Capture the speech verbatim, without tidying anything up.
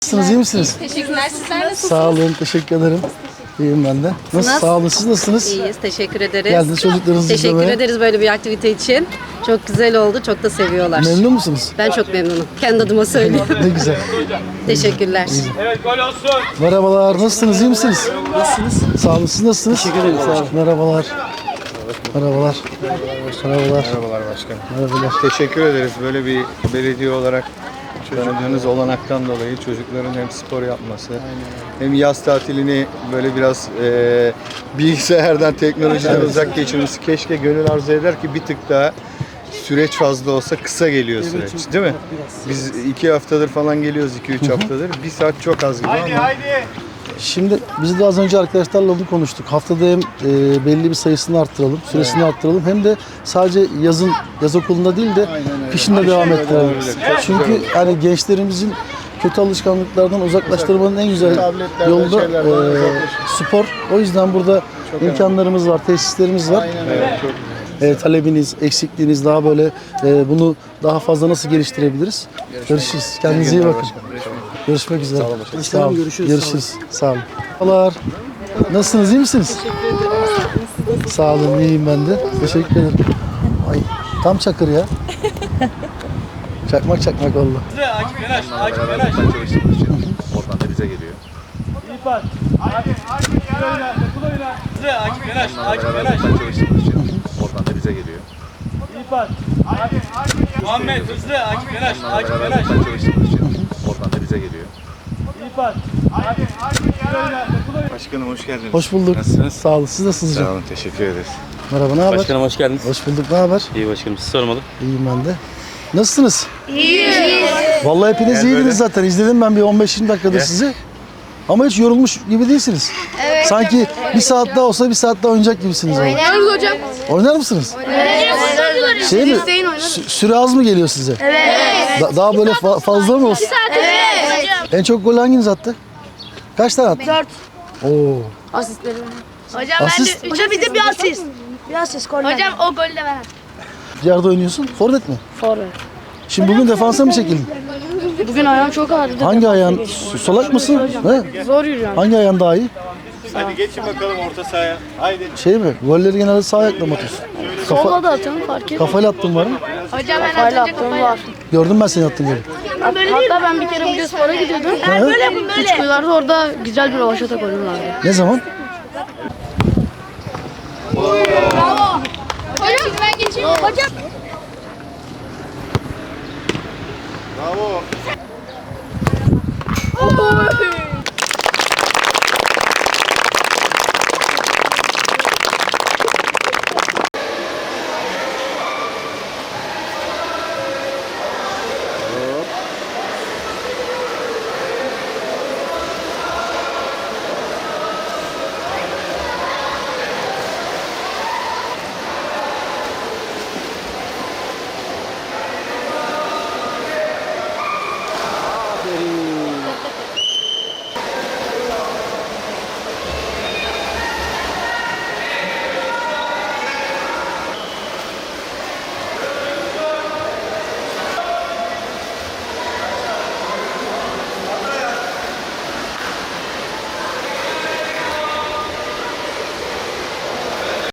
Nasılsınız, iyi misiniz? Teşekkürler. Sizler nasılsınız? Sağ olun, teşekkür ederim. İyiyim ben de. Nasıl, sağ olun, siz nasılsınız? İyiyiz, teşekkür ederiz. Geldiniz çocuklarınızı Teşekkür izlemeye. ederiz böyle bir aktivite için. Çok güzel oldu, çok da seviyorlar. Memnun musunuz? Ben çok memnunum. Kendi adıma söyleyeyim. Ne güzel. Teşekkürler. Evet, gol olsun. Merhabalar, nasılsınız, iyi misiniz? Nasılsınız? Sağ olun, siz nasılsınız? Teşekkür ederim, sağ olun. Merhabalar. Merhabalar. Merhabalar. Merhabalar başkanım. Merhabalar. Teşekkür ederiz böyle bir belediye olarak tanıdığınız olanaktan dolayı çocukların hem spor yapması hem yaz tatilini böyle biraz e, bilgisayardan, teknolojiden uzak geçirmesi. Keşke gönül arzu eder ki bir tık daha süreç fazla olsa kısa geliyor süreç, değil mi? Biz iki haftadır falan geliyoruz, iki üç haftadır. Bir saat çok az gibi Haydi ama haydi. Şimdi biz de az önce arkadaşlarla onu konuştuk. Haftada hem e, belli bir sayısını arttıralım, süresini arttıralım. Hem de sadece yazın, yaz okulunda değil de kışın da devam ettirelim. olabilir. Çok Çünkü güzel olur. yani gençlerimizin kötü alışkanlıklardan uzaklaştırmanın en güzel Tabletlerden, yolu da şeylerden e, uzaklaşır. spor. O yüzden burada imkanlarımız var, tesislerimiz var. evet, çok E, talebiniz, eksikliğiniz daha böyle e, bunu daha fazla nasıl geliştirebiliriz? Görüşürüz. Kendinize iyi bakın. Görüşmek üzere. Sağ olun. Görüşürüz. Görüşürüz. Sağ olun. Merhabalar. Nasılsınız? İyi misiniz? Sağ olun. İyiyim ben de. Teşekkür ederim. Ay, tam çakır ya. Çakmak çakmak oldu. Akif Yanaş, Akif Yanaş. Oradan da bize geliyor. İyi pas. Hadi, hadi. Kul oyna, kul oyna. Hızlı, Akif Yanaş, Akif Yanaş. Çalıştığımız için oradan da bize geliyor. İyi pas. Hadi, hadi. Muhammed, hızlı, Akif Yanaş, Akif Yanaş. Çalıştığımız için oradan da bize geliyor. İyi pas. Hadi, hadi. Kul oyna, kul oyna. Başkanım hoş geldiniz. Hoş bulduk. Nasılsınız? Sağ olun. Siz nasılsınız hocam? Sağ olun, teşekkür ederiz. Merhaba, ne haber? Başkanım hoş geldiniz. Hoş bulduk. Ne haber? İyi başkanım. Siz sormalı. İyiyim ben de. Nasılsınız? İyiyiz. Vallahi hepiniz iyiydiniz zaten. İzledim ben bir on beş yirmi dakikadır sizi. Ama hiç yorulmuş gibi değilsiniz. Evet. Sanki bir saat daha olsa bir saat daha oynayacak gibisiniz. ama. Oynarız hocam. Oynar mısınız? Oynarız. Şey mi? Sü- süre az mı geliyor size? Evet. Da- daha böyle fa- fazla mı olsun? Evet. En çok gol hanginiz attı? Kaç tane attı? Dört. Oo. Asistlerim. Hocam Asist? ben de Hocam bir de bir asist. Bir asist gol. Hocam o golü de ben attım. Yerde oynuyorsun. Forvet mi? Forvet. Şimdi bugün defansa mı çekildin? Bugün ayağım çok ağrıdı. Hangi ayağın? Solak mısın? He? Zor yürüyorum. Hangi ayağın daha iyi? Hadi geçin bakalım orta sahaya. Haydi. Şey mi? Golleri genelde sağ ayakla mı atıyorsun? Solla Kafa, da atıyorum fark etmiyor. kafayla attın var mı? Hocam ben kafayla attığım var. Gördüm ben seni attığın golü. Hatta ben bir kere bugün spora gidiyordum. He? Böyle böyle. Üç kuyularda orada güzel bir rövaşata golüm vardı. Ne zaman? Hocam ben geçeyim. Hocam. Bravo.